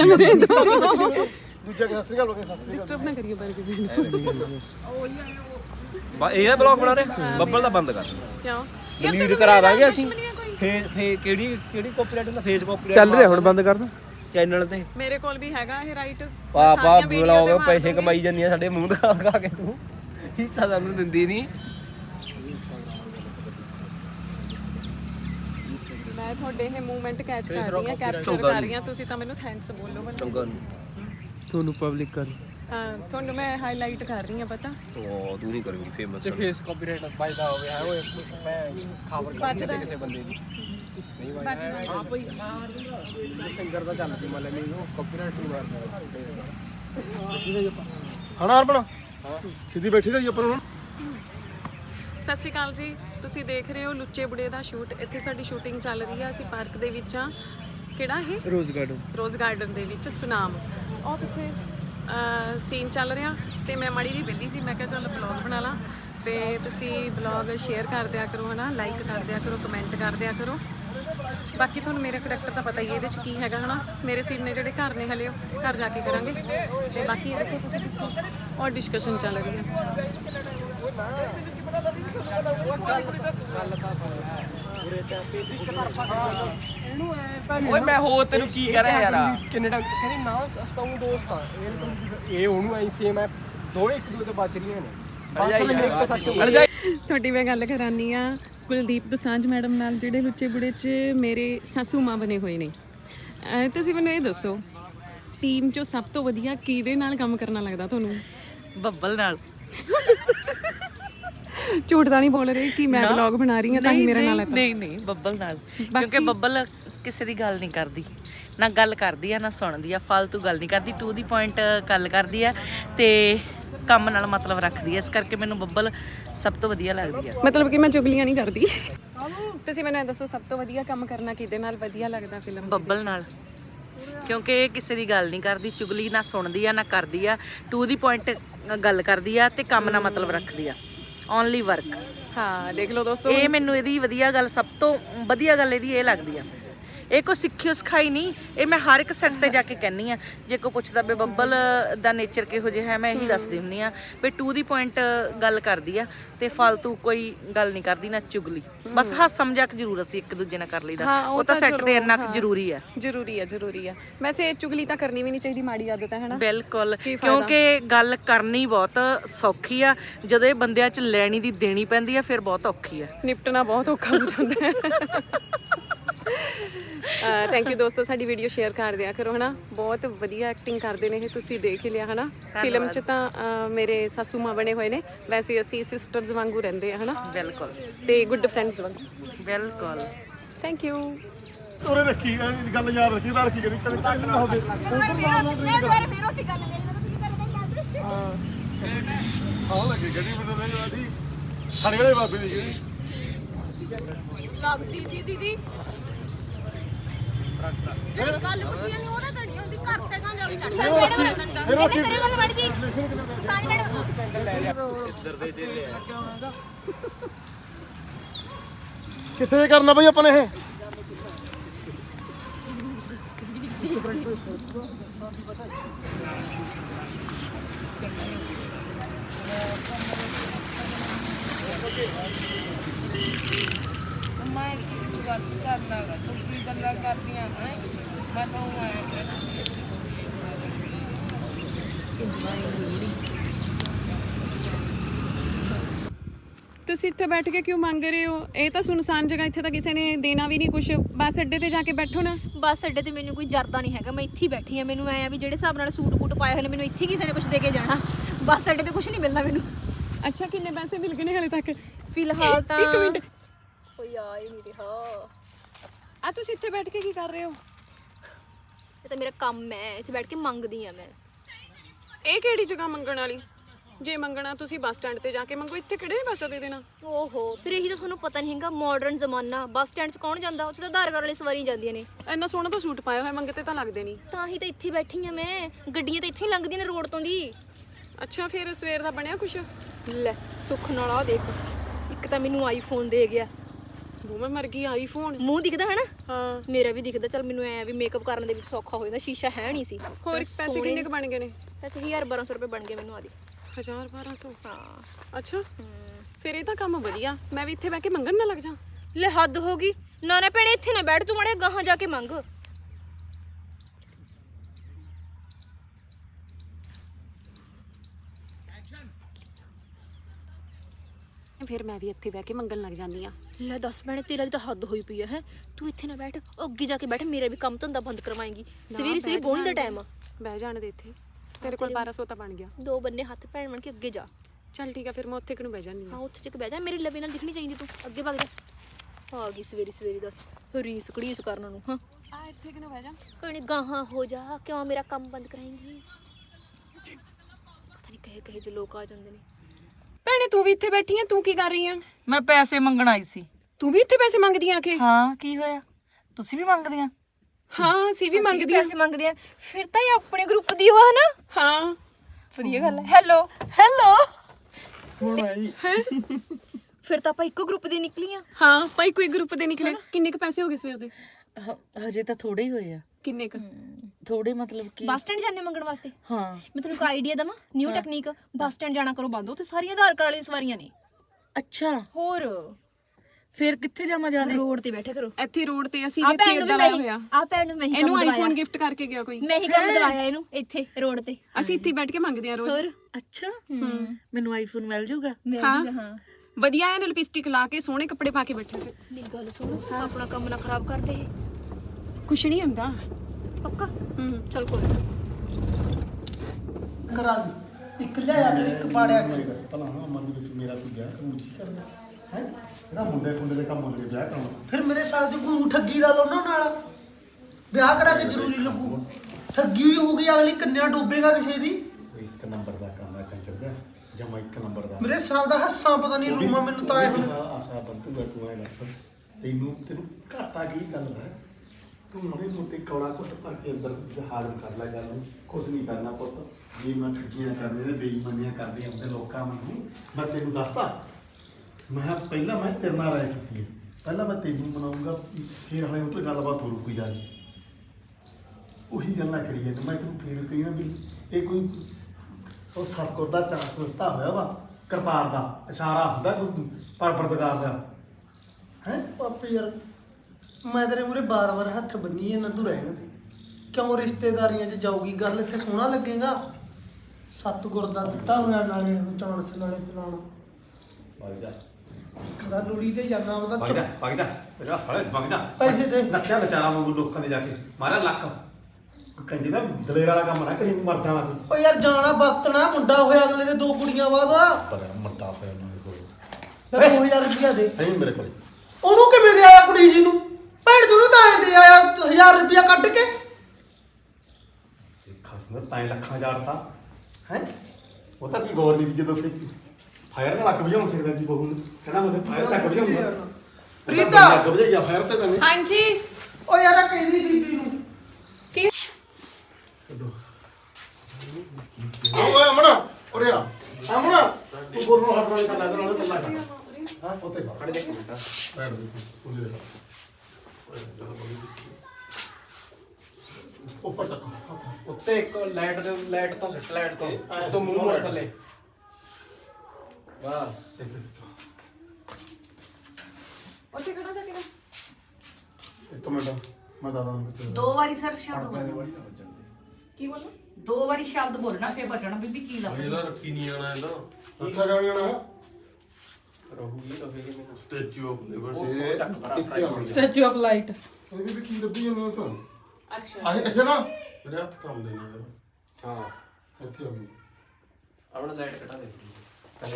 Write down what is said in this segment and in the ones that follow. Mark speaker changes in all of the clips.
Speaker 1: ਦੂਜਾ ਕਿ ਸਸਰੀ ਗੱਲ ਹੋ ਗਈ ਸਸਰੀ
Speaker 2: ਡਿਸਟਰਬ ਨਾ ਕਰਿਓ ਪਰ ਕਿਸੇ ਨੂੰ
Speaker 3: ਇਹ ਬਲੌਗ ਬਣਾ ਰਹੇ ਬੱਬਲ ਦਾ ਬੰਦ ਕਰ
Speaker 2: ਕਿਉਂ
Speaker 3: ਡਿਲੀਟ ਕਰਾ ਦਾਂਗੇ ਅਸੀਂ ਫੇ ਕਿਹੜੀ ਕਾਪੀਰਾਈਟ ਦਾ ਫੇਸ ਕਾਪੀਰਾਈਟ
Speaker 4: ਚੱਲ ਰਿਹਾ ਹੁਣ ਬੰਦ ਕਰ ਦੋ
Speaker 3: ਚੈਨਲ ਤੇ
Speaker 2: ਮੇਰੇ ਕੋਲ ਵੀ ਹੈਗਾ ਇਹ ਰਾਈਟ
Speaker 3: ਪਾਪਾ ਬਲੌਗ ਪੈਸੇ ਕਮਾਈ ਜਾਂਦੀਆਂ ਸਾਡੇ ਮੂੰਹ ਦਿਖਾ ਕੇ ਤੂੰ ਹਿੱਸਾ ਸਾਨੂੰ ਦਿੰਦੀ ਨਹੀਂ
Speaker 2: ਮੈਂ ਤੁਹਾਡੇ ਇਹ ਮੂਵਮੈਂਟ ਕੈਚ ਕਰ ਰਹੀ ਹਾਂ ਕੈਪਚਰ ਕਰ ਰਹੀ ਹਾਂ ਤੁਸੀਂ ਤਾਂ ਮੈਨੂੰ ਥੈਂਕਸ ਬੋਲੋ
Speaker 3: ਚੰਗਾ
Speaker 4: ਤੁਹਾਨੂੰ ਪਬਲਿਕ ਕਰ
Speaker 2: ਹਾਂ ਤੁਹਾਨੂੰ ਮੈਂ ਹਾਈਲਾਈਟ ਕਰ ਰਹੀ ਹਾਂ ਪਤਾ
Speaker 3: ਉਹ ਤੂੰ ਨਹੀਂ ਕਰੇਂਗੀ ਫੇਮਸ
Speaker 1: ਤੇ ਫੇਸ ਕਾਪੀਰਾਈਟ ਬਾਈਦਾ ਹੋ ਗਿਆ ਓਏ ਮੈਂ ਖਬਰ
Speaker 2: ਬਚਦਾ
Speaker 1: ਕਿਸੇ ਬੰਦੇ ਦੀ ਨਹੀਂ ਬਾਈ ਆਪ ਹੀ ਸਿੰਗਰ ਦਾ ਚੱਲਦੀ ਮੰਨ ਲੈ ਮੈਨੂੰ ਕਾਪੀਰਾਈਟ ਨਹੀਂ ਮਾਰਦਾ ਹਣਾ ਹਰਬਣ ਹਾਂ ਸਿੱਧੀ ਬੈਠੀ ਰਹੀ ਆਪਾਂ ਹੁਣ
Speaker 2: ਸਤਿ ਸ਼੍ਰੀ ਅਕਾਲ ਜੀ ਤੁਸੀਂ ਦੇਖ ਰਹੇ ਹੋ ਲੁੱਚੇ ਬੁੜੇ ਦਾ ਸ਼ੂਟ ਇੱਥੇ ਸਾਡੀ ਸ਼ੂਟਿੰਗ ਚੱਲ ਰਹੀ ਆ ਅਸੀਂ ਪਾਰਕ ਦੇ ਵਿੱਚ ਆ ਕਿਹੜਾ ਇਹ ਰੋਜ਼ ਗਾਰਡਨ ਦੇ ਵਿੱਚ ਸੁਨਾਮ ਉਹ ਪਿੱਛੇ ਸੀਨ ਚੱਲ ਰਿਹਾ ਤੇ ਮੈਂ ਮਾੜੀ ਜਿਹੀ ਵਿਹਲੀ ਸੀ ਮੈਂ ਕਿਹਾ ਚੱਲ ਬਲੌਗ ਬਣਾ ਲਾਂ ਤੇ ਤੁਸੀਂ ਬਲੌਗ ਸ਼ੇਅਰ ਕਰ ਦਿਆ ਕਰੋ ਹਨਾ ਲਾਈਕ ਕਰ ਦਿਆ ਕਰੋ ਕਮੈਂਟ ਕਰ ਦਿਆ ਕਰੋ ਬਾਕੀ ਤੁਹਾਨੂੰ ਮੇਰਾ ਕਰੈਕਟਰ ਤਾਂ ਪਤਾ ਹੀ ਹੈ ਇਹਦੇ 'ਚ ਕੀ ਹੈਗਾ ਹਨਾ ਮੇਰੇ ਸੀਨ ਨੇ ਜਿਹੜੇ ਘਰ ਨੇ ਹਲੇ ਉਹ ਘਰ ਜਾ ਕੇ ਕਰਾਂਗੇ ਤੇ ਬਾਕੀ ਦੇਖੋ ਤੁਸੀਂ ਪਿੱਛੇ ਔਰ ਡਿਸਕਸ਼ਨ ਚੱਲ ਰਹੀ ਹੈ
Speaker 4: ਓਏ ਮੈਂ ਹੋ ਤੈਨੂੰ ਕੀ ਕਹਿ ਰਿਹਾ ਯਾਰ
Speaker 1: ਕਿੰਨੇ ਟਾਈਮ ਕਹਿੰਦੀ ਨਾ ਅਸਤਾਉਂ ਦੋਸਤ ਆ ਇਹ ਉਹਨੂੰ ਐ ਸੇਮ ਹੈ ਦੋਵੇਂ ਇੱਕ ਦੂਜੇ ਤੋਂ ਬਚ ਰਹੀਆਂ ਨੇ
Speaker 2: ਤੁਹਾਡੀ ਮੈਂ ਗੱਲ ਕਰਾਨੀ ਆ ਕੁਲਦੀਪ ਦਸਾਂਝ ਮੈਡਮ ਨਾਲ ਜਿਹੜੇ ਲੁੱਚੇ ਬੁੜੇ 'ਚ ਮੇਰੇ ਸਾਸੂ ਮਾਂ ਬਣੇ ਹੋਏ ਨੇ ਤੁਸੀਂ ਮੈਨੂੰ ਇਹ ਦੱਸੋ ਟੀਮ 'ਚੋਂ ਸਭ ਤੋਂ ਵਧੀਆ ਕਿਹਦੇ ਨਾਲ ਕੰਮ ਕਰਨਾ ਲੱਗਦਾ ਤੁਹਾਨੂੰ
Speaker 5: ਬੱਬਲ ਨਾਲ
Speaker 2: ਝੂਠ ਤਾਂ ਨਹੀਂ ਬੋਲ ਰਹੇ ਕਿ ਮੈਂ ਵਲੌਗ ਬਣਾ ਰਹੀ ਹਾਂ ਤਾਂ ਹੀ ਮੇਰੇ ਨਾਲ ਹੈ
Speaker 5: ਨਹੀਂ ਬੱਬਲ ਨਾਲ ਕਿਉਂਕਿ ਬੱਬਲ ਕਿਸੇ ਦੀ ਗੱਲ ਨਹੀਂ ਕਰਦੀ ਨਾ ਗੱਲ ਕਰਦੀ ਆ ਨਾ ਸੁਣਦੀ ਆ ਫालतू ਗੱਲ ਨਹੀਂ ਕਰਦੀ ਟੂ ਦੀ ਪੁਆਇੰਟ ਗੱਲ ਕਰਦੀ ਆ ਤੇ ਕੰਮ ਨਾਲ ਮਤਲਬ ਰੱਖਦੀ ਆ ਇਸ ਕਰਕੇ ਮੈਨੂੰ ਬੱਬਲ ਸਭ ਤੋਂ ਵਧੀਆ ਲੱਗਦੀ ਆ
Speaker 2: ਮਤਲਬ ਕਿ ਮੈਂ ਚੁਗਲੀਆਂ ਨਹੀਂ ਕਰਦੀ ਤੁਸੀਂ ਮੈਨੂੰ ਇਹ ਦੱਸੋ ਸਭ ਤੋਂ ਵਧੀਆ ਕੰਮ ਕਰਨਾ ਕਿਹਦੇ ਨਾਲ ਵਧੀਆ ਲੱਗਦਾ ਫਿਲਮ
Speaker 5: ਬੱਬਲ ਨਾਲ ਕਿਉਂਕਿ ਇਹ ਕਿਸੇ ਦੀ ਗੱਲ ਨਹੀਂ ਕਰਦੀ ਚੁਗਲੀ ਨਾ ਸੁਣਦੀ ਆ ਨਾ ਕਰਦੀ ਆ ਟੂ ਦੀ ਪੁਆਇੰਟ ਗੱਲ ਕਰਦੀ ਆ ਤੇ ਕੰਮ ਨਾਲ ਮਤਲਬ ਰੱਖਦੀ ਆ ਓਨਲੀ ਵਰਕ
Speaker 2: ਹਾਂ ਦੇਖ ਲਓ ਦੋਸਤੋ
Speaker 5: ਇਹ ਮੈਨੂੰ ਇਹਦੀ ਵਧੀਆ ਗੱਲ ਸਭ ਤੋਂ ਵਧੀਆ ਗੱਲ ਇਹਦੀ ਇਹ ਲੱਗਦੀ ਆ ਇਹ ਕੋ ਸਿੱਖਿਓ ਸਿਖਾਈ ਨਹੀਂ ਇਹ ਮੈਂ ਹਰ ਇੱਕ ਸੈੱਟ ਤੇ ਜਾ ਕੇ ਕਹਿੰਨੀ ਆ ਜੇ ਕੋਈ ਪੁੱਛਦਾ ਵੀ ਬੱਬਲ ਦਾ ਨੇਚਰ ਕਿਹੋ ਜਿਹਾ ਹੈ ਮੈਂ ਇਹੀ ਦੱਸਦੀ ਹੁੰਨੀ ਆ ਵੀ ਟੂ ਦੀ ਪੁਆਇੰਟ ਗੱਲ ਕਰਦੀ ਆ ਤੇ ਫालतू ਕੋਈ ਗੱਲ ਨਹੀਂ ਕਰਦੀ ਨਾ ਚੁਗਲੀ ਬਸ ਹਾਸਾ ਮਜ਼ਾਕ ਜ਼ਰੂਰ ਅਸੀਂ ਇੱਕ ਦੂਜੇ ਨਾਲ ਕਰ ਲਈਦਾ ਉਹ ਤਾਂ ਸੈੱਟ ਤੇ ਇੰਨਾ ਕੁ ਜ਼ਰੂਰੀ ਆ
Speaker 2: ਜ਼ਰੂਰੀ ਆ ਵੈਸੇ ਚੁਗਲੀ ਤਾਂ ਕਰਨੀ ਵੀ ਨਹੀਂ ਚਾਹੀਦੀ ਮਾੜੀ ਆਦਤ ਹੈ ਹਨਾ
Speaker 5: ਬਿਲਕੁਲ ਕਿਉਂਕਿ ਗੱਲ ਕਰਨੀ ਬਹੁਤ ਸੌਖੀ ਆ ਜਦੋਂ ਇਹ ਬੰਦਿਆਂ 'ਚ ਲੈਣੀ ਦੀ ਦੇਣੀ ਪੈਂਦੀ ਆ ਫਿਰ ਬਹੁਤ ਔਖੀ ਆ
Speaker 2: ਨਿਪਟਣਾ ਬਹੁਤ ਔਖਾ ਹੋ ਜਾਂਦਾ ਹੈ ਥੈਂਕ ਯੂ ਦੋਸਤੋ ਸਾਡੀ ਵੀਡੀਓ ਸ਼ੇਅਰ ਕਰ ਦਿਆ ਕਰੋ ਹਨਾ ਬਹੁਤ ਵਧੀਆ ਐਕਟਿੰਗ ਕਰਦੇ ਨੇ ਇਹ ਤੁਸੀਂ ਦੇਖ ਹੀ ਲਿਆ ਹਨਾ ਫਿਲਮ 'ਚ ਤਾਂ ਮੇਰੇ ਸਾਸੂ ਮਾਂ ਬਣੇ ਹੋਏ ਨੇ ਵੈਸੇ ਅਸੀਂ ਸਿਸਟਰਸ ਵਾਂਗੂ ਰਹਿੰਦੇ ਆ ਹਨਾ
Speaker 5: ਬਿਲਕੁਲ
Speaker 2: ਤੇ ਗੁੱਡ ਫਰੈਂਡਸ ਵਾਂਗੂ
Speaker 5: ਬਿਲਕੁਲ
Speaker 2: ਥੈਂਕ ਯੂ
Speaker 1: ਉਰੇ ਰੱਖੀ ਇਹ ਗੱਲ ਯਾਦ ਰੱਖੀ ਤਾਂ ਰੱਖੀ ਕਰੀ ਕਦੇ ਟੱਕ ਨਾ ਹੋਵੇ ਹਾਂ ਲੱਗੇ ਗੱਡੀ ਬਣਾ ਰਹੀ ਸਾਡੇ ਵਾਲੇ ਬਾਬੇ ਦੀ
Speaker 6: ਲੱਗਦੀ ਦੀਦੀ ਜਿਹੜੀ ਗੱਲ ਪੁੱਛੀ ਨਹੀਂ ਉਹਦਾ ਤਾਂ ਨਹੀਂ ਹੁੰਦੀ ਘਰ ਤੇ ਕਾਂ ਜਾ ਕੇ ਚੜਦਾ ਕਿਹੜੇ ਵਾਲਾ ਕੰਟਾ ਇਹਨੇ ਕਰੇ ਗੱਲ ਮੜ ਜੀ ਸਾਰੀ ਮੈਡਮ ਇੱਧਰ ਦੇ ਜੇ
Speaker 1: ਕਿੱਥੇ ਕਰਨਾ ਬਈ ਆਪਾਂ ਨੇ ਇਹ
Speaker 5: ਮੈਂ ਕੀ ਗੱਲ ਕਰਨਾ ਤੂੰ ਕੀ ਗੱਲਾਂ ਕਰਦੀਆਂ ਹੈ ਮੈਂ ਤਾਂ
Speaker 2: ਤੁਸੀਂ ਇੱਥੇ ਬੈਠ ਕੇ ਕਿਉਂ ਮੰਗ ਰਹੇ ਹੋ ਇਹ ਤਾਂ ਸੁਨਸਾਨ ਜਗ੍ਹਾ ਇੱਥੇ ਤਾਂ ਕਿਸੇ ਨੇ ਦੇਣਾ ਵੀ ਨਹੀਂ ਕੁਝ ਬੱਸ ਅੱਡੇ ਤੇ ਜਾ ਕੇ ਬੈਠੋ ਨਾ
Speaker 6: ਬੱਸ ਅੱਡੇ ਤੇ ਮੈਨੂੰ ਕੋਈ ਜਰਦਾ ਨਹੀਂ ਹੈਗਾ ਮੈਂ ਇੱਥੇ ਹੀ ਬੈਠੀ ਆ ਮੈਨੂੰ ਐ ਆ ਵੀ ਜਿਹੜੇ ਹਿਸਾਬ ਨਾਲ ਸੂਟ ਬੂਟ ਪਾਏ ਹੋਏ ਨੇ ਮੈਨੂੰ ਇੱਥੇ ਕਿਸੇ ਨੇ ਕੁਝ ਦੇ ਕੇ ਜਾਣਾ ਬੱਸ ਅੱਡੇ ਤੇ ਕੁਝ ਨਹੀਂ ਮਿਲਣਾ ਮੈਨੂੰ
Speaker 2: ਅੱਛਾ ਕਿੰਨੇ ਪੈਸੇ ਮਿਲ ਗਏ ਨੇ ਹਲੇ ਤੱਕ
Speaker 6: ਫਿਲਹਾਲ ਤਾਂ
Speaker 2: ਇੱਕ ਮਿੰਟ
Speaker 6: ਕੋਈ ਆ ਹੀ ਨਹੀਂ ਰਿਹਾ
Speaker 2: ਆ ਤੁਸੀਂ ਇੱਥੇ ਬੈਠ ਕੇ ਕੀ ਕਰ ਰਹੇ ਹੋ
Speaker 6: ਇਹ ਤਾਂ ਮੇਰਾ ਕੰਮ ਹੈ ਇੱਥੇ ਬੈਠ ਕੇ ਮੰਗਦੀ ਆ ਮੈਂ
Speaker 2: ਇਹ ਕਿਹੜੀ ਜਗ੍ਹਾ ਮੰਗਣ ਵਾਲੀ ਜੇ ਮੰਗਣਾ ਤੁਸੀਂ ਬੱਸ ਸਟੈਂਡ ਤੇ ਜਾ ਕੇ ਮੰਗੋ ਇੱਥੇ ਕਿਹੜੇ ਨੇ ਬੱਸ ਦੇ ਦੇਣਾ
Speaker 6: ਓਹੋ ਫਿਰ ਇਹੀ ਤਾਂ ਤੁਹਾਨੂੰ ਪਤਾ ਨਹੀਂ ਹੈਗਾ ਮਾਡਰਨ ਜ਼ਮਾਨਾ ਬੱਸ ਸਟੈਂਡ 'ਚ ਕੌਣ ਜਾਂਦਾ ਉੱਥੇ ਤਾਂ ਆਧਾਰ ਕਾਰਡ ਵਾਲੀ ਸਵਾਰੀ ਜਾਂਦੀਆਂ ਨੇ
Speaker 2: ਇੰਨਾ ਸੋਹਣਾ ਤਾਂ ਸੂਟ ਪਾਇਆ ਹੋਇਆ ਮੰਗਤੇ ਤਾਂ ਲੱਗਦੇ ਨਹੀਂ
Speaker 6: ਤਾਂ ਹੀ ਤਾਂ ਇੱਥੇ ਬੈਠੀ ਆ ਮੈਂ ਗੱਡੀਆਂ ਤਾਂ ਇੱਥੋਂ ਹੀ ਲੰਘਦੀਆਂ ਨੇ ਰੋਡ ਤੋਂ ਦੀ
Speaker 2: ਅੱਛਾ ਫਿਰ ਸਵੇਰ ਦਾ ਬਣਿਆ ਕੁਛ
Speaker 6: ਲੈ ਸੁੱਖ ਨਾਲ ਆ ਦੇਖ ਇੱਕ ਤਾਂ ਮੈਨੂੰ ਆਈਫੋਨ ਦੇ ਗਿਆ
Speaker 2: ਮੈਂ ਮਰ ਗਈ ਆਈਫੋਨ।
Speaker 6: ਮੂੰਹ ਦਿਖਦਾ ਹੈ ਨਾ?
Speaker 2: ਹਾਂ
Speaker 6: ਮੇਰਾ ਵੀ ਦਿਖਦਾ। ਚੱਲ ਮੈਨੂੰ ਐ ਵੀ ਮੇਕਅਪ ਕਰਨ ਦੇ ਵਿੱਚ ਸੌਖਾ ਹੋ ਜਾਂਦਾ, ਸ਼ੀਸ਼ਾ ਹੈ ਨਹੀਂ ਸੀ।
Speaker 2: ਹੋਰ ਪੈਸੇ ਕਿੰਨੇ ਕੁ ਬਣ ਗਏ ਨੇ?
Speaker 6: ਪੈਸੇ 1000-1200 ਰੁਪਏ ਬਣ ਗਏ ਮੈਨੂੰ ਆਦੀ।
Speaker 2: 1000-1200?
Speaker 6: ਹਾਂ।
Speaker 2: ਅੱਛਾ ਫਿਰ ਇਹ ਤਾਂ ਕੰਮ ਵਧੀਆ। ਮੈਂ ਵੀ ਇੱਥੇ ਬਹਿ ਕੇ ਮੰਗਣ ਨਾ ਲੱਗ ਜਾ।
Speaker 6: ਲੈ ਹੱਦ ਹੋ ਗਈ। ਨਾ ਨਾ ਭੈਣੇ ਇੱਥੇ ਨਾ ਬੈਠ, ਤੂੰ ਮਾੜੇ ਗਾਹਾਂ ਜਾ ਕੇ ਮੰਗ।
Speaker 2: ਫਿਰ ਮੈਂ ਵੀ ਇੱਥੇ ਬਹਿ ਕੇ ਮੰਗਣ ਲੱਗ ਜਾਂਦੀ ਆ।
Speaker 6: ਲੈ ਦੱਸ ਭੈਣੇ ਤੇਰਾ ਵੀ ਤਾਂ ਹੱਦ ਹੋਈ ਪਈ ਹੈ। ਤੂੰ ਇੱਥੇ ਨਾ ਬੈਠ, ਅੱਗੇ ਜਾ ਕੇ ਬੈਠ। ਮੇਰਾ ਵੀ ਕੰਮ ਧੰਦਾ ਬੰਦ ਕਰਵਾਏਂਗੀ। ਸਵੇਰੇ ਬੋਣੀ ਦਾ ਟਾਈਮ ਆ।
Speaker 2: ਬਹਿ ਜਾਣ ਦੇ ਇੱਥੇ। ਤੇਰੇ ਕੋਲ 1200 ਤਾਂ ਬਣ ਗਿਆ।
Speaker 6: ਦੋ ਬੰਨੇ ਹੱਥ ਭੈਣ ਬਣ ਕੇ ਅੱਗੇ ਜਾ।
Speaker 2: ਚੱਲ ਠੀਕ ਆ ਫਿਰ ਮੈਂ ਉੱਥੇ ਕਿਨੂੰ ਬਹਿ ਜਾਂਦੀ
Speaker 6: ਹਾਂ ਉੱਥੇ ਚੱਕ ਬਹਿ ਜਾ। ਮੇਰੇ ਲਵੇ ਨਾਲ ਦਿਖਣੀ ਚਾਹੀਦੀ, ਤੂੰ ਅੱਗੇ ਵਗ ਜਾ। ਆ ਗਈ ਸਵੇਰੇ ਦੱਸ ਰੀਸ ਕੜੀਸ ਕਰਨ ਨੂੰ। ਹਾਂ
Speaker 2: ਆ ਇੱਥੇ ਕਿਨੂੰ ਬਹਿ ਜਾ।
Speaker 6: ਭੈਣੇ ਗਾਹਾਂ ਹੋ ਜਾ, ਕਿਉਂ ਮੇਰਾ ਕੰਮ ਬੰਦ ਕਰਾਏਂਗੀ? ਪਤਾ ਨਹੀਂ ਕਹੇ ਜੇ ਲੋਕ ਆ ਜਾਂਦੇ ਨੇ।
Speaker 2: ਭੈਣੇ ਤੂੰ ਵੀ ਇੱਥੇ ਬੈਠੀ ਆ, ਤੂੰ ਕੀ ਕਰ ਰਹੀ ਆ?
Speaker 5: ਮੈਂ ਪੈਸੇ ਮੰਗਣ ਆਈ ਸੀ।
Speaker 2: ਤੂੰ ਵੀ ਇੱਥੇ ਪੈਸੇ ਮੰਗਦੀ ਆ ਕੇ?
Speaker 5: ਹਾਂ ਕੀ ਹੋਇਆ, ਤੁਸੀਂ ਵੀ ਮੰਗਦੀਆਂ?
Speaker 2: ਹਾਂ ਅਸੀਂ ਵੀ ਮੰਗਦੀ ਆ।
Speaker 6: ਪੈਸੇ ਮੰਗਦੇ ਆ ਫਿਰ ਤਾਂ ਇਹ ਆਪਣੇ ਗਰੁੱਪ ਦੀ ਹੋ ਹਨਾ?
Speaker 2: ਹਾਂ
Speaker 6: ਵਧੀਆ ਗੱਲ ਹੈ। Hello
Speaker 5: hello.
Speaker 6: ਫਿਰ ਤਾਂ ਆਪਾਂ ਇੱਕੋ ਗਰੁੱਪ ਦੀ ਨਿਕਲੀਆਂ।
Speaker 2: ਹਾਂ ਭਾਈ ਕੋਈ ਗਰੁੱਪ ਦੇ ਨਿਕਲੇ। ਕਿੰਨੇ ਕ ਪੈਸੇ ਹੋ ਗਏ ਸਵੇਰ ਦੇ?
Speaker 5: ਹਜੇ ਤਾਂ ਥੋੜੇ ਹੀ ਹੋਏ ਆ।
Speaker 2: ਕਿੰਨੇ ਕ?
Speaker 5: ਥੋੜੇ ਮਤਲਬ ਕਿ
Speaker 6: ਬੱਸ ਸਟੈਂਡ ਜਾਣੇ ਮੰਗਣ ਵਾਸਤੇ।
Speaker 5: ਹਾਂ
Speaker 6: ਮੈਂ ਤੁਹਾਨੂੰ ਇੱਕ ਆਈਡੀਆ ਦਵਾਂ, ਨਿਊ ਟੈਕਨੀਕ। ਬੱਸ ਸਟੈਂਡ ਜਾਣਾ ਕਰੋ ਬੰਦ, ਉੱਥੇ ਸਾਰੀਆਂ ਆਧਾਰ ਕਾਰਡ ਵਾਲੀਆਂ ਸਵਾਰੀਆਂ ਨੇ।
Speaker 5: ਅੱਛਾ
Speaker 6: ਹੋਰ
Speaker 5: ਫਿਰ ਕਿੱਥੇ ਜਾਵਾਂ ਜਾਦੇ?
Speaker 6: ਰੋਡ ਤੇ ਬੈਠੇ ਕਰੋ।
Speaker 2: ਇੱਥੇ ਰੋਡ ਤੇ ਅਸੀਂ
Speaker 6: ਆ
Speaker 2: ਇੱਥੇ
Speaker 6: ਭੈਣ ਨੂੰ
Speaker 2: ਏਦਾਂ
Speaker 6: ਵੀ
Speaker 2: ਲਾਇਆ
Speaker 6: ਮੈਂ
Speaker 2: ਹੋਇਆ।
Speaker 6: ਆ ਭੈਣ ਨੂੰ ਮੈਂ ਹੀ
Speaker 2: ਇਹਨੂੰ
Speaker 6: ਕੰਮ
Speaker 2: ਆਈਫੋਨ
Speaker 6: ਦਵਾਇਆ।
Speaker 2: ਗਿਫਟ ਕਰਕੇ ਗਿਆ ਕੋਈ।
Speaker 6: ਮੈਂ ਹੀ ਕੰਮ ਦਵਾਇਆ ਇਹਨੂੰ ਇੱਥੇ ਰੋਡ ਤੇ।
Speaker 2: ਅਸੀਂ ਇੱਥੇ ਬੈਠ ਕੇ ਮੰਗਦੇ ਆ ਰੋਜ਼।
Speaker 6: ਹੋਰ
Speaker 5: ਅੱਛਾ ਮੈਨੂੰ ਆਈਫੋਨ ਮਿਲ ਜਾਊਗਾ?
Speaker 6: ਮਿਲ ਜੂਗਾ। ਹਾਂ
Speaker 2: ਵਧੀਆ ਐ ਲਿਪਸਟਿਕ ਲਾ ਕੇ ਸੋਹਣੇ ਕੱਪੜੇ ਪਾ ਕੇ ਬੈਠੇ ਤੇ।
Speaker 6: ਮੇਰੀ ਗੱਲ ਸੁਣ, ਆਪਣਾ ਕੰਮ ਨਾ ਖਰਾਬ ਕਰਦੇ ਇਹ।
Speaker 2: ਕੁਛ ਨਹੀਂ ਹੁੰਦਾ।
Speaker 6: ਪੱਕਾ? ਚਲ ਕੋਈ
Speaker 5: ਕਰਾ ਲਈ ਇੱਕ ਲਿਆ ਕਰ, ਇੱਕ ਪਾੜਿਆ ਕਰ।
Speaker 7: ਭਲਾ ਹਾਂ ਮਨ ਦੇ ਵਿੱਚ ਮੇਰਾ ਕੋਈ ਵਿਆਹ ਕਰਾਉਣ ਜੀ ਕਰਦਾ ਹੈ? ਇਹਦਾ ਮੁੰਡੇ ਦੇ ਕੰਮ ਹੁੰਦੇ ਵਿਆਹ ਕਰਾਉਣਾ।
Speaker 5: ਫਿਰ ਮੇਰੇ ਸਾਲ ਦੀ ਕੋਈ ਠੱਗੀ ਲਾ ਲਓ ਉਹਨਾਂ ਨਾਲ, ਵਿਆਹ ਕਰਾ ਕੇ ਜ਼ਰੂਰੀ ਲੱਗੂ। ਠੱਗੀ ਹੋ ਗਈ, ਅਗਲੀ ਕੰਨਿਆ ਡੋਬੇਗਾ ਕਿਸੇ ਦੀ।
Speaker 7: ਇੱਕ ਨੰਬਰ ਦਾ ਕੰਮ ਹੈ ਕੰਜਰ ਦਾ, ਜਮਾ ਇੱਕ ਨੰਬਰ ਦਾ।
Speaker 5: ਮੇਰੇ ਸਾਲ ਦਾ ਹੱਸਾਂ ਪਤਾ ਨਹੀਂ ਰੂਮਾ ਮੈਨੂੰ ਤਾਂ ਆਏ ਹੁਣ।
Speaker 7: ਆਸਾ ਬੰਤੂ ਤੂੰ ਐ ਦੱਸ ਤੈਨੂੰ ਘਾਟਾ ਕੀ ਗੱਲ ਦਾ? ਤੂੰ ਮੋੜੇ ਮੋਟੇ ਕੌੜਾ ਘੁੱਟ ਭਰ ਕੇ ਅੰਦਰ ਹਾਜ਼ਰ ਕਰ ਲੈ ਗੱਲ ਨੂੰ। ਕੁਛ ਨਹੀਂ ਕਰਨਾ ਪੁੱਤ। ਜੇ ਮੈਂ ਠੱਗੀਆਂ ਕਰਨੀਆਂ ਤੇ ਬੇਈਮਾਨੀਆਂ ਕਰਨੀਆਂ ਹੁੰਦੇ ਲੋਕਾਂ ਨੂੰ, ਮੈਂ ਤੈਨੂੰ ਦੱਸਦਾ। ਮੈਂ ਪਹਿਲਾਂ ਮੈਂ ਤੇਰੇ ਨਾਲ ਰਾਏ ਕੀਤੀ ਹੈ। ਪਹਿਲਾਂ ਮੈਂ ਤੈਨੂੰ ਮਨਾਉਂਗਾ, ਫਿਰ ਹਲੇ ਉਹ ਤੋਂ ਗੱਲਬਾਤ ਹੋਰ ਕੋਈ ਜਾਣੀ। ਉਹੀ ਗੱਲਾਂ ਕਰੀ ਜਾਂਦੇ। ਮੈਂ ਤੈਨੂੰ ਫਿਰ ਕਹੀ ਨਾ ਵੀ ਇਹ ਕੋਈ ਉਹ ਸਤਿਗੁਰ ਦਾ ਚਾਂਸ ਦਿੱਤਾ ਹੋਇਆ ਵਾ, ਕਰਤਾਰ ਦਾ ਇਸ਼ਾਰਾ ਹੁੰਦਾ ਕੋਈ ਪਰਵਰਦਗਾਰ ਦਾ ਹੈ।
Speaker 5: ਪਾਪੇ ਯਾਰ ਮੈਂ ਤੇਰੇ ਮੂਰੇ ਬਾਰ-ਬਾਰ ਹੱਥ ਬੰਨੀ ਜਾਂਦਾ, ਤੂੰ ਰਹਿਣ ਦੇ। ਕਿਉਂ ਰਿਸ਼ਤੇਦਾਰੀਆਂ 'ਚ ਜਾਊਗੀ ਗੱਲ? ਇੱਥੇ ਸੋਹਣਾ ਲੱਗੇਗਾ। ਸਤਿਗੁਰ ਦਾ ਦਿੱਤਾ ਹੋਇਆ, ਨਾਲੇ ਉਹ ਚਾਂਸ ਨਾਲੇ ਫਲਾਣਾ।
Speaker 7: ਵਗ ਜਾ
Speaker 5: ਖੜਾ ਲੂੜੀ ਤੇ ਜਾਣਾ ਉਹਦਾ
Speaker 7: ਵਗ ਜਾ ਮੇਰਾ ਸਾਲੇ ਵਗ ਜਾ।
Speaker 5: ਪੈਸੇ ਦੇ।
Speaker 7: ਨੱਕਿਆ ਵਿਚਾਰਾ ਵਾਂਗੂ ਲੋਕਾਂ ਦੇ ਜਾ ਕੇ ਮਾਰਾ ਲੱਕ। ਕੰਜੇ ਦਾ ਦਲੇਰ ਵਾਲਾ ਕੰਮ ਨਾ ਕਰੀ, ਮਰਦਾਂ ਵਾਲਾ ਕੋਈ।
Speaker 5: ਓ ਯਾਰ ਜਾਣਾ ਵਰਤਣਾ, ਮੁੰਡਾ ਹੋਇਆ ਅਗਲੇ ਦੇ 2 ਕੁੜੀਆਂ ਬਾਅਦ।
Speaker 7: ਪਰ ਮੁੰਡਾ ਹੋਇਆ ਉਹਨਾਂ ਦੇ ਕੋਲ
Speaker 5: 2000 ਰੁਪਇਆ ਦੇ।
Speaker 7: ਨਹੀਂ ਮੇਰੇ ਕੋਲ।
Speaker 5: ਉਹਨੂੰ ਕਿਵੇਂ ਦੇ ਆਇਆ ਕੁੜੀ ਜੀ ਨੂੰ? ਭੈਣ ਤੈਨੂੰ ਤਾਂ ਐ ਦੇ ਆਇਆ 1000 ਰੁਪਇਆ ਕੱਢ ਕੇ।
Speaker 7: ਖਸਮ ਤਾਂ ਲੱਖਾਂ ਜਾੜਤਾ ਹੈ। ਉਹ ਤਾਂ ਕੀ ਗੌਰ ਨਹੀਂ ਜਦੋਂ ਫਿਰ ਫਾਇਰ ਨਾਲ ਲੱਗ ਵਜਾਉਣ ਸਕਦਾ ਕੀ ਬਹੂ ਨੂੰ ਕਹਿੰਦਾ ਮੈਂ ਫਾਇਰ ਤੱਕ ਵਜਾਉਂਦਾ।
Speaker 5: ਪ੍ਰੀਤਾ
Speaker 7: ਲੱਗ ਵਜਾਈਆ ਫਾਇਰ ਤੇ ਤਾਂ ਨਹੀਂ।
Speaker 2: ਹਾਂਜੀ
Speaker 5: ਓ ਯਾਰ ਕਹਿੰਦੀ ਬੀਬੀ ਨੂੰ
Speaker 2: ਕੀ?
Speaker 7: ਓਏ ਅਮਣਾ ਉਰੇ ਆ ਅਮਣਾ ਤੂੰ ਬੋਲਣੋਂ ਹਟਣਾ ਨਹੀਂ ਕਰਨਾ ਇਹਦੇ ਨਾਲ ਕੱਲਾ ਕਰ। ਹਾਂ ਉੱਤੇ ਖੜ ਜਾ ਇੱਕ ਮਿੰਟ ਸਾਈਡ ਦੇ ਪੁੱਲੇ ਦੇ ਉੱਪਰ ਚੱਕੋ
Speaker 3: ਉੱਤੇ ਇੱਕ ਲਾਈਟ ਦੇ ਲਾਈਟ ਤੋਂ ਸਿੱਟ ਲਾਈਟ ਤੋਂ ਮੂੰਹ ਮੋੜ ਥੱਲੇ। ਵਾਹ
Speaker 2: ਉੱਥੇ ਖੜਾ ਜਾ ਕੇ
Speaker 7: ਇੱਕ ਮਿੰਟ ਮੈਂ ਦੱਸਦਾ ਕਿੱਥੇ
Speaker 5: 2 ਵਾਰੀ ਸਿਰਫ ਸ਼ਬਦ ਬੋਲਣਾ।
Speaker 2: ਕੀ ਬੋਲਣਾ?
Speaker 5: 2 ਵਾਰੀ ਸ਼ਬਦ ਬੋਲਣਾ ਫੇਰ ਬਚਣਾ। ਬੀਬੀ ਕੀ ਲੱਗਦਾ?
Speaker 4: ਇਹਦਾ ਰੱਖੀ ਨਹੀਂ ਆਣਾ ਇਹਦਾ
Speaker 7: ਅੱਛਾ ਕਰ ਜਾਣਾ
Speaker 3: ਰਹੂਗੀ ਰਵੇ ਕਿ ਮੈਨੂੰ
Speaker 4: ਸਟੈਚੂ ਆਫ
Speaker 7: ਇਹ ਕਿੱਥੇ ਆ
Speaker 2: ਸਟੈਚੂ ਆਫ ਲਾਈਟ।
Speaker 7: ਇਹਦੀ ਵੀ ਕੀ ਦੱਬੀ ਜਾਂਦੀ ਤੂੰ?
Speaker 2: ਅੱਛਾ
Speaker 7: ਆਹ ਇੱਥੇ ਨਾ
Speaker 4: ਮੇਰੇ ਹੱਥ ਕੰਮ ਦੇ ਨਹੀਂ ਯਾਰ।
Speaker 3: ਹਾਂ
Speaker 7: ਇੱਥੇ ਆ ਗਈ।
Speaker 3: ਆਪਣਾ ਲਾਈਟ ਕਟਾ ਦੇ।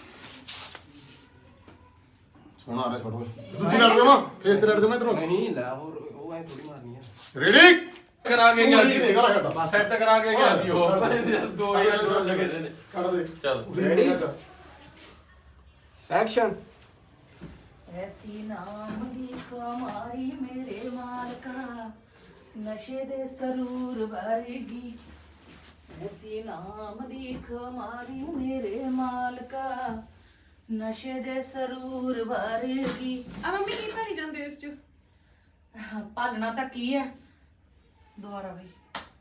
Speaker 7: ਸੋਹਣਾ ਆ ਰਿਹਾ ਛੋੜੋ ਦੂਜੀ ਲੜ ਦੇਵਾਂ ਫੇਸ ਤੇ ਲੜ ਦੇਵਾਂ ਇਧਰੋਂ।
Speaker 3: ਨਹੀਂ ਲੈ ਹੋਰ ਉਹ ਐ ਥੋੜੀ ਮਾਰਨੀ ਆ।
Speaker 7: ਰੈਡੀ
Speaker 4: ਕਰਾ ਕੇ ਗਿਆ ਸੀ
Speaker 7: ਘਰ ਸਾਡਾ
Speaker 4: ਸੈੱਟ ਕਰਾ ਕੇ ਗਿਆ ਸੀ ਉਹ 2000 ਲੱਗੇ ਨੇ।
Speaker 7: ਕੱਢ ਦੇ
Speaker 4: ਚੱਲ
Speaker 7: ਰੈਡੀ
Speaker 3: ਐਕਸ਼ਨ।
Speaker 5: ਐਸੀ ਨਾਮ ਦੀ ਕਮਾਰੀ ਮੇਰੇ ਮਾਲਕਾ, ਨਸ਼ੇ ਦੇ ਸਰੂਰ ਵਰਗੀ। ਐਸੀ ਨਾਮ ਦੀ ਕਮਾਰੀ ਮੇਰੇ ਮਾਲਕਾ, ਨਸ਼ੇ ਦੇ ਸਰੂਰ ਵਰਗੀ।
Speaker 2: ਆ ਮੰਮੀ ਕੀ ਭਰੀ ਜਾਂਦੇ ਹੋ ਇਸ ਚ?
Speaker 5: ਪਾਲਣਾ ਤਾਂ ਕੀ ਹੈ, ਦੁਆਰਾ ਵੀ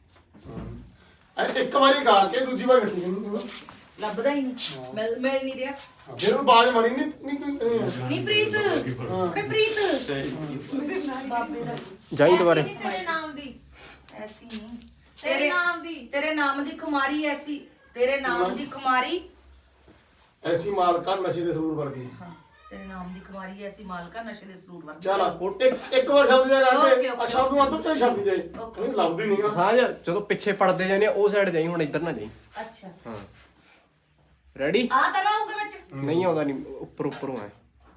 Speaker 7: ਇੱਕ ਵਾਰੀ ਗਾ ਕੇ ਦੂਜੀ ਵਾਰ ਗੱਟੀ ਨਹੀਂ
Speaker 5: ਲੱਭਦਾ ਹੀ ਨਹੀਂ, ਮਿਲ ਨਹੀਂ ਰਿਹਾ।
Speaker 7: ਫਿਰ ਉਹ ਬਾਜ ਮਾਰੀ ਨਹੀਂ
Speaker 5: ਨਹੀਂ ਪ੍ਰੀਤ, ਵੇ ਪ੍ਰੀਤ ਬਾਬੇ ਦਾ
Speaker 3: ਜਾਈ ਦੁਬਾਰੇ।
Speaker 6: ਤੇਰੇ ਨਾਮ ਦੀ,
Speaker 5: ਐਸੀ ਨਹੀਂ,
Speaker 6: ਤੇਰੇ ਨਾਮ ਦੀ,
Speaker 5: ਤੇਰੇ ਨਾਮ ਦੀ ਖੁਮਾਰੀ ਐਸੀ, ਤੇਰੇ ਨਾਮ ਦੀ ਖੁਮਾਰੀ।
Speaker 7: ਐਸੀ ਮਾਲਕਾ ਨਸ਼ੇ ਦੇ ਸਰੂਰ ਵਰਗੀ।
Speaker 5: ਹਾਂ, ਤੇਰੇ ਨਾਮ ਦੀ ਖੁਮਾਰੀ ਐਸੀ ਮਾਲਕਾ ਨਸ਼ੇ ਦੇ ਸਰੂਰ ਵਰਗੀ।
Speaker 7: ਚੱਲ ਇੱਕ ਵਾਰ ਸ਼ਬਦ ਜਾ
Speaker 5: Okay,
Speaker 7: ਕੇ
Speaker 5: okay,
Speaker 7: ਸ਼ਬਦ ਨੂੰ ਅੱਧੇ ਸ਼ਬਦ ਜਾਈ
Speaker 5: Okay.
Speaker 7: ਨਹੀਂ ਲੱਭਦੀ ਨਹੀਂਗਾ।
Speaker 3: ਸਾਂਝ ਜਦੋਂ ਪਿੱਛੇ ਪੜਦੇ ਜਾਂਦੇ ਆ, ਉਹ ਸਾਈਡ ਜਾਈ, ਹੁਣ ਇੱਧਰ ਨਾ ਜਾਈ।
Speaker 5: ਅੱਛਾ,
Speaker 3: ਹਾਂ ਰੈਡੀ?
Speaker 5: ਆ ਤਾਂ ਨਾ ਹੋਊਗਾ ਵਿੱਚ।
Speaker 3: ਨਹੀਂ ਆਉਂਦਾ, ਨਹੀਂ ਉੱਪਰ ਉੱਪਰੋਂ ਆਏ।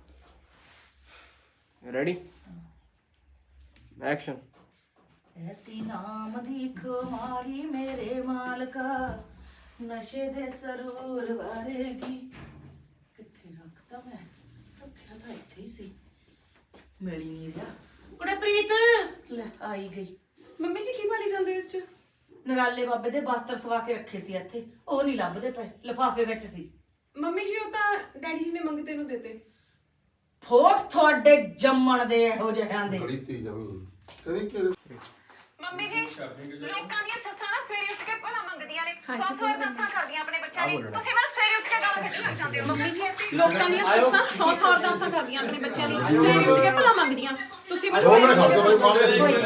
Speaker 3: Ready action.
Speaker 5: ਐਸੀ ਨਾਮ ਦੀ ਖੁਮਾਰੀ ਮੇਰੇ ਮਾਲਕਾ ਨਸ਼ੇ ਦੇ ਸਰੂਰ ਵਰਗੀ। ਕਿੱਥੇ ਰੱਖਤਾ ਮੈਂ? ਰੱਖਿਆ ਤਾਂ ਇੱਥੇ ਹੀ ਸੀ, ਮਿਲ ਹੀ ਨਹੀਂ ਰਿਹਾ। ਕੁੜੇ ਪ੍ਰੀਤ ਲੈ ਆਈ ਗਈ।
Speaker 2: ਮੰਮੀ ਜੀ ਕੀ ਭਰੀ ਜਾਂਦੇ ਹੋ ਇਸ ਚ?
Speaker 5: ਨਰਾਲੇ ਬਾਬੇ ਦੇ ਬਸਤਰ ਸਵਾ ਕੇ ਰੱਖੇ ਸੀ ਇੱਥੇ, ਉਹ ਨਹੀਂ ਲੱਭਦੇ ਪਏ, ਲਿਫਾਫੇ ਵਿੱਚ ਸੀ।
Speaker 2: ਮੰਮੀ ਜੀ ਉਹ ਤਾਂ ਡੈਡੀ ਜੀ ਨੇ ਮੰਗਤੇ ਨੂੰ ਦੇਤੇ।
Speaker 5: ਫੋਟ ਤੁਹਾਡੇ ਜੰਮਣ ਦੇ ਇਹੋ ਜਿਹਿਆਂ ਦੇ।
Speaker 7: ਬੜੀ ਤੇਜ਼ ਜਮੀ ਕਦੀ ਕਿ
Speaker 6: ਮੰਮੀ ਜੀ ਲੋਕਾਂ ਦੀਆਂ ਸੱਸਾਂ ਨਾ ਸਵੇਰੇ ਉੱਠ ਕੇ ਭਲਾ ਮੰਗਦੀਆਂ ਨੇ, 100 ਅਰਦਾਸਾਂ ਕਰਦੀਆਂ ਆਪਣੇ ਬੱਚਿਆਂ ਲਈ, ਤੁਸੀਂ ਮੈਨੂੰ ਸਵੇਰੇ ਉੱਠ ਕੇ ਗਾਲਾਂ ਕੱਢਣ ਲੱਗ ਜਾਂਦੇ ਹੋ।
Speaker 2: ਮੰਮੀ ਜੀ ਲੋਕਾਂ ਦੀਆਂ ਸੱਸਾਂ 100 ਅਰਦਾਸਾਂ ਕਰਦੀਆਂ ਆਪਣੇ ਬੱਚਿਆਂ ਲਈ, ਸਵੇਰੇ ਉੱਠ ਕੇ ਭਲਾ ਮੰਗਦੀਆਂ, ਤੁਸੀਂ ਮੈਨੂੰ
Speaker 7: ਦੋ ਮਿੰਟ
Speaker 2: ਸਵੇਰੇ
Speaker 7: ਖੜ ਜਾ ਬਾਈ ਮਾਰੇ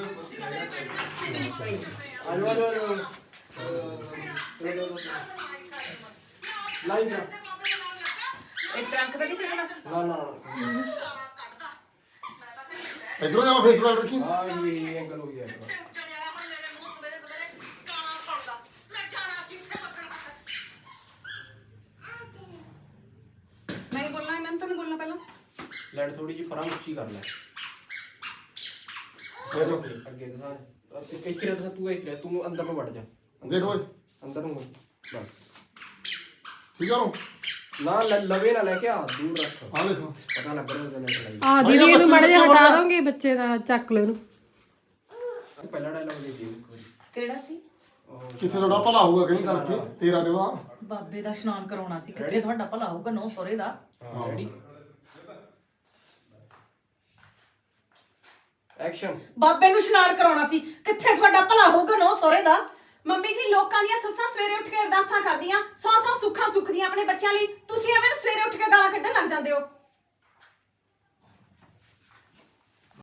Speaker 3: ਲਾਈਨ ਜਾ।
Speaker 5: ਇਹ ਟਰੰਕ ਤਾਂ ਨਹੀਂ ਦੇਖਣਾ।
Speaker 3: ਨਾ ਨਾ
Speaker 7: ਇਧਰੋਂ ਜਾ ਫੇਸਬੁੱਕ ਰੱਖੀ।
Speaker 3: ਹਾਂ ਇਹ ਐਂਗਲ ਹੋ ਗਿਆ।
Speaker 2: ਨਹੀਂ ਬੋਲਣਾ ਇਹਨਾਂ ਨੂੰ, ਤਾਂ ਨਹੀਂ ਬੋਲਣਾ ਪਹਿਲਾਂ।
Speaker 3: ਲੈਟ ਥੋੜੀ ਜਿਹੀ ਪਰਾਂ ਉੱਚੀ ਕਰ ਲੈ। ਅੱਗੇ ਦਿਖਾ। ਇੱਥੇ ਰਹਿ ਤੂੰ, ਇੱਥੇ ਤੂੰ ਅੰਦਰ ਨੂੰ ਵੜ ਜਾ।
Speaker 7: ਦੇਖ ਓਏ
Speaker 3: ਅੰਦਰ ਨੂੰ ਬਸ।
Speaker 7: ਠੀਕ ਆ ਰੋ
Speaker 3: ਨਾ ਲਵੇ ਨਾ ਲੈ ਕੇ ਆ, ਦੂਰ ਰੱਖ।
Speaker 7: ਆ ਦੇਖੋ
Speaker 3: ਪਤਾ ਲੱਗ ਰਿਹਾ ਉਹਦਾ ਲੈਟ ਲਾਈ।
Speaker 8: ਆ ਦੀਦੀ ਇਹਨੂੰ ਮਾੜਾ ਜਿਹਾ ਹਟਾ ਦੋਗੇ, ਬੱਚੇ ਦਾ ਚੱਕ ਲੈ ਇਹਨੂੰ।
Speaker 3: ਪਹਿਲਾ ਡਾਇਲੌਗ ਦੇ ਦਿਓ ਇੱਕ ਵਾਰੀ।
Speaker 5: ਕਿਹੜਾ ਸੀ?
Speaker 7: ਕਿੱਥੇ ਤੁਹਾਡਾ ਭਲਾ ਹੋਊਗਾ ਕਹੀਂ ਕਰਕੇ ਤੇਰਾ ਤੇ ਉਹਦਾ।
Speaker 5: ਬਾਬੇ ਦਾ ਇਸ਼ਨਾਨ ਕਰਾਉਣਾ ਸੀ, ਕਿੱਥੇ ਤੁਹਾਡਾ ਭਲਾ ਹੋਊਗਾ ਨੌ ਸੋਰੇ ਦਾ।
Speaker 3: ਹਾਂ ਰੈਡੀ ਐਕਸ਼ਨ।
Speaker 5: ਬਾਬੇ ਨੂੰ ਇਸ਼ਨਾਨ ਕਰਾਉਣਾ ਸੀ, ਕਿੱਥੇ ਤੁਹਾਡਾ ਭਲਾ ਹੋਊਗਾ ਨੌ ਸੋਰੇ ਦਾ।
Speaker 2: ਮੰਮੀ ਜੀ ਲੋਕਾਂ ਦੀਆਂ ਸੱਸਾਂ ਸਵੇਰੇ ਉੱਠ ਕੇ ਅਰਦਾਸਾਂ ਕਰਦੀਆਂ, 100 ਸੁੱਖਾਂ ਸੁੱਖਦੀਆਂ ਆਪਣੇ ਬੱਚਿਆਂ ਲਈ, ਤੁਸੀਂ ਐਵੇਂ ਨੂੰ ਸਵੇਰੇ ਉੱਠ ਕੇ ਗਾਲਾਂ ਕੱਢਣ ਲੱਗ ਜਾਂਦੇ ਹੋ।